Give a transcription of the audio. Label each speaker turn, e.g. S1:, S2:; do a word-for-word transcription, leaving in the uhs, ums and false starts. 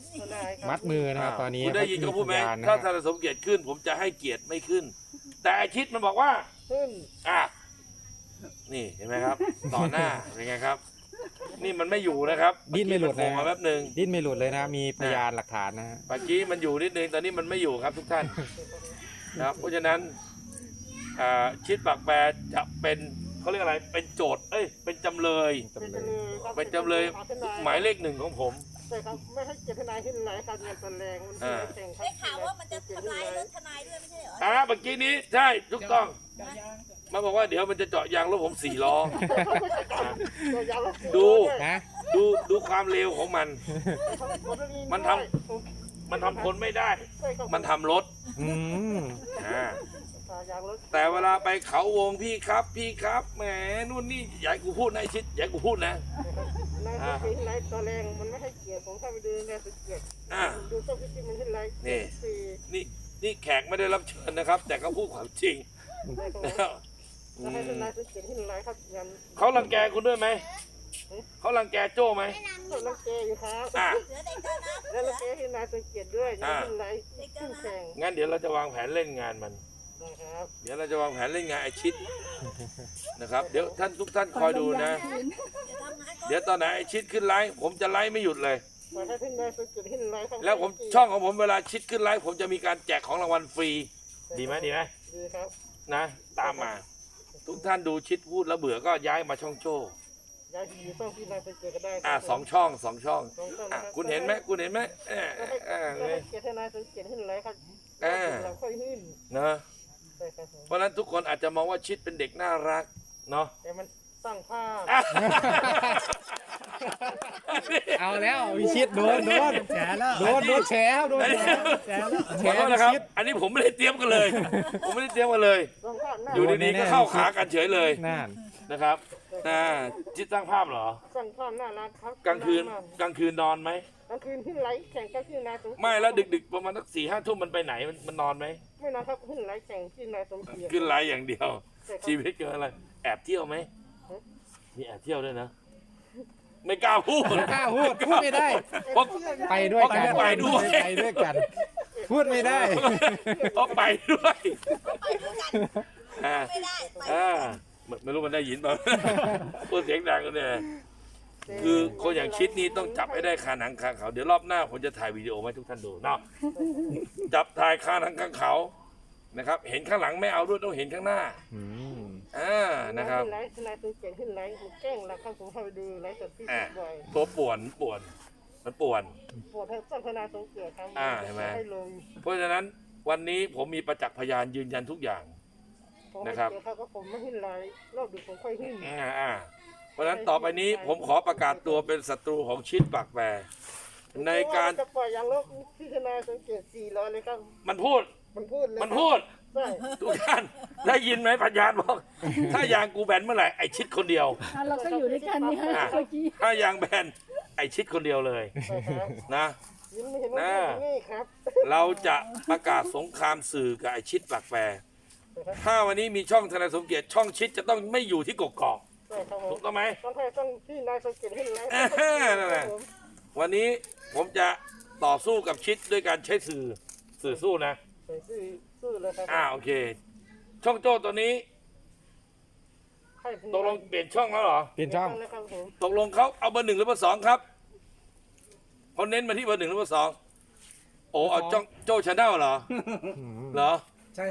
S1: มัดมือนะครับตอนนี้
S2: คุณได้ยินเขาพูดไหม
S1: พยนนะ
S2: ถ้า
S1: ฮะ
S2: ทนายสมเกียรติขึ้น ผมจะให้เกียรติไม่ขึ้น แต่อาชิดมันบอกว่า
S3: ขึ้น
S2: อ่ะนี่เห็นไหมครับ ต่อหน้าเป็นไงครับ นี่มันไม่อยู่นะครับ
S1: ดิ้นไม่หลุด
S2: เอ
S1: นะ
S2: กี้นโผล่มาแป๊บหนึ่ง
S1: ดิ้นไม่หลุดเลยนะมีพยานหลักฐานนะฮะ
S2: เมื่อกี้มันอยู่นิดนึงตอนนี้มันไม่อยู่ครับทุกท่านนะครับเพราะฉะนั้นอ่าชิดปากแปรจะเป็นเขาเรียกอะไรเป็นโจทย์เอ้ยเป็นจำเลย
S1: จำเลย
S2: เป็นจำเลยหมายเลขหนึ่งของผม
S3: ใช่ครับไม่ให้เกียรติทนายขึ้นไหนครับเงินตนแรงมันแข่งครับ
S4: ได้ข่าวว่ามันจะทำลายรถทนายด้วยไม่ใช่เหรอ
S2: อ่าเมื่อกี้นี้ใช่ถูกต้องมาบอกว่าเดี๋ยวมันจะเจาะยางรถผมสี่ล้อ ดู
S1: นะ
S2: ดูดูความเร็วของมัน มันทำ มันทำคนไม่ได้ มันทำรถ
S1: อืม
S2: อ่าแต่เวลาไปเขาวงพี่ครับพี่ครับแหมนู่นนี่อย่าให้กูพูดนะไอ้ชิดอย่าให้กูพูดนะ
S3: นายสุเกียรตินายตัวแรงมันไม่ให้เกียรติผมเข้าไปดูนายสุเกียรติ
S2: อ่า
S3: ดูต้นพิจิตมันเห็นไร
S2: นี่
S3: สี่
S2: นี่นี่แขกไม่ได้รับเชิญนะครับ แต่เขาพูดความจริง
S3: ได้ครับ
S2: นะครับอื
S3: แล้วให้
S2: ม
S3: นายสุเกียรติเห็นไรครับยัน
S2: เขารังแกคุณด้วยไหมเขารังแกโจ้ไหม
S3: ก็รังแกอยู่ครับ
S2: อ่ะ
S4: เหลือเด็กเกินนะ
S3: แล้วรังแกให้นายสุเกียรติด้วยยังเห็นไรขึ้นแข่ง
S2: งั้นเดี๋ยวเราจะวางแผนเล่นงานมัน
S3: นะครับ
S2: เดี๋ยวเราจะวางแผนเล่นงานไอชิดนะครับ เดี๋ยวท่านทุกท่านคอยดูนะ
S4: เดี๋ยวทำงานก่อน
S2: เดี๋ยวตอนไหนไอชิดขึ้นไลฟ์ผมจะไลฟ์ไม่หยุดเลย
S3: ปล่อยให้ที่นายสุเกียรติเห็นไรครับ
S2: แล้วผมช่องของผมเวลาชิดขึ้นไลฟ์ผมจะมีการแจกของรางวัลฟรี ดีไหมดีไหม
S3: ดีครับ
S2: นะ ตามมา ทุกท่านดูชิดพูดแล้วเบื่อก็ย้ายมาช่องโจ้
S3: ยายอยู่ต้องที่นายสุเกียรติก็ได้
S2: อ่าสองช่องสองช่อง
S3: สองต้น
S2: อ่ะ
S3: รับ
S2: คุณเห็นไหมคุณเห็นไหมเออ
S3: ก็ให้
S2: เออ
S3: ก็
S2: เอ
S3: ให้
S2: อ
S3: เกียรติให้นายสุเกียรติเห็นไรครับ
S2: อ่า
S3: เราค่อยหิ้น
S2: เนอะ
S3: ใช่ครับผม
S2: เพราะฉะนั้นทุกคนอาจจะมองว่าชิดเป็นเด็กน่ารักเนาะ
S3: แต่มันตั้งภาพ
S1: เอาแล้ววิชิตโดนโดน
S5: แฉแล้ว
S1: โดนโดนแฉครับโดนแฉ
S5: แฉแล้ว
S1: แฉ
S2: ขอโทษ
S1: วิ
S2: นะครับ
S1: ชิต
S2: อันนี้ผมไม่ได้เตรียมกันเลย ผมไม่ได้เตรียมกันเลย
S3: ตั้งภาพหน้า
S2: อยู่ดีๆก็เข้าขากันเฉยเลย
S1: นั่น
S2: นะครับอ่าชิดสร้างภาพเหรอ
S3: ตั้งภาพน่ารักครับ
S2: กลางคืนกลางคืนนอนไหม
S3: กลางคืนหิ้นไรแข่งกันที่นายสมเกียรติ
S2: ไม่แล้วดึกๆประมาณสักสี่ห้าทุ่มมันไปไหนมันมันนอนไหม
S3: ไม่นอนครับหิ้นไรแข่งที่นายสมเกียรติ
S2: ขึ้นไลน์อย่างเดียว
S3: ใช่ครับ
S2: ชีวิตเกินอะไร แอบเที่ยวไหม
S3: ฮะ
S2: มีแอบเที่ยวด้วยนะ ไม่กล้าพูด
S1: กล้าพูดพูดไม่ได้
S2: เพราะ
S1: ไปด้วยกัน
S2: ไปด้วย
S1: ไปด้วยกัน พูดไม่ได้
S2: เพราะไปด้วย
S4: ไปด้วยกัน
S2: อ่า
S4: ไม่ได้ไป
S2: อ่าไม่ไม่รู้มันได้ยินเปล่า พูดเสียงดังกันเนี่ยคือคนอย่างชิดนี้ต้องจับให้ได้คาหนังคาเขา เดี๋ยวรอบหน้าผมจะถ่ายวิดีโอมาให้ทุกท่านดูเนาะจับถ่ายคาหนังคาเขานะครับ เห็นข้างหลังไม่เอาด้วยต้องเห็นข้างหน้า
S1: อืม
S2: อ่านะครับ
S3: หิ้นไรที่นายสมเกียรติหิ้นไรมันแกล้งเราครับผมเข้าไปดูไรสดที่
S2: อ่า
S3: บ่อย
S2: ตัวป่วนป่วน มันป่วน
S3: ปวดให้ตั้งทนายสมเกียรติครับ
S2: อ่าเห็นไหม
S3: ให้ลง
S2: เพราะฉะนั้นวันนี้ผมมีประจักษ์พยานยืนยันทุกอย่าง
S3: ผมให้
S2: นะครับ
S3: เกียรติเขาก็ผมไม่หิ้นไรรอบดึกผมค่อยหิ้น
S2: อ่าอ่าเพราะฉะนั้นต่อไปนี้ผมขอประกาศตัวเป็นศัตรูของชิดปากแปรในการ
S3: จะปล่อยยางลบที่ทนายสมเกียรติสี่ร้อยเลยครับ
S2: มันพูด
S3: มันพูดเลย
S2: มันพูด
S3: ใช่
S2: ทุกท่านได้ยินไหมพยานบอก ถ้ายางกูแบนเมื่อไหร่ไอชิดคนเดียว
S6: เราก็อยู่ด้วยกันนี่ฮะ
S2: อ่ะ
S6: เมื่อกี้
S2: ถ้ายางแบนไอชิดคนเดียวเลย
S3: ใช่ครับ
S2: นะ
S3: ยิ้มไม่เห็นว่า
S2: น่า
S3: พูดอย่างนี่ครับ
S2: เราจะประกาศสงครามสื่อกับไอชิดปากแปรถ้าวันนี้มีช่องทนายสมเกียรติช่องชิดจะต้องไม่อยู่ที่กกอก
S3: ใช่ครับผ
S2: ถู
S3: ม
S2: กต้องไหม
S3: ต้องให้ต้องที่นายสมเกียรติหิ้นไร
S2: อ่านั่นแหละ วันนี้ผมจะต่อสู้กับชิดด้วยการใช้สื่อสื่อสู้นะ
S3: ใส่ซื่อซื่อเลยครับ
S2: อ่าโอเค ช่องโจ้ตัวนี้
S3: ให้
S2: ตกลงเปลี่ยนช่องแล้วเหรอ
S1: เปลี่ยนช่อง
S3: นะครับผม
S2: ตกลงเขาเอาเบอร์หนึ่งหรือเบอร์สองครับเขาเน้นมาที่เบอร์หนึ่งหรือเบอร์สองโอ้เอาจ้องโจ้ชาแนลเหรอ
S1: อืม
S2: เหรอ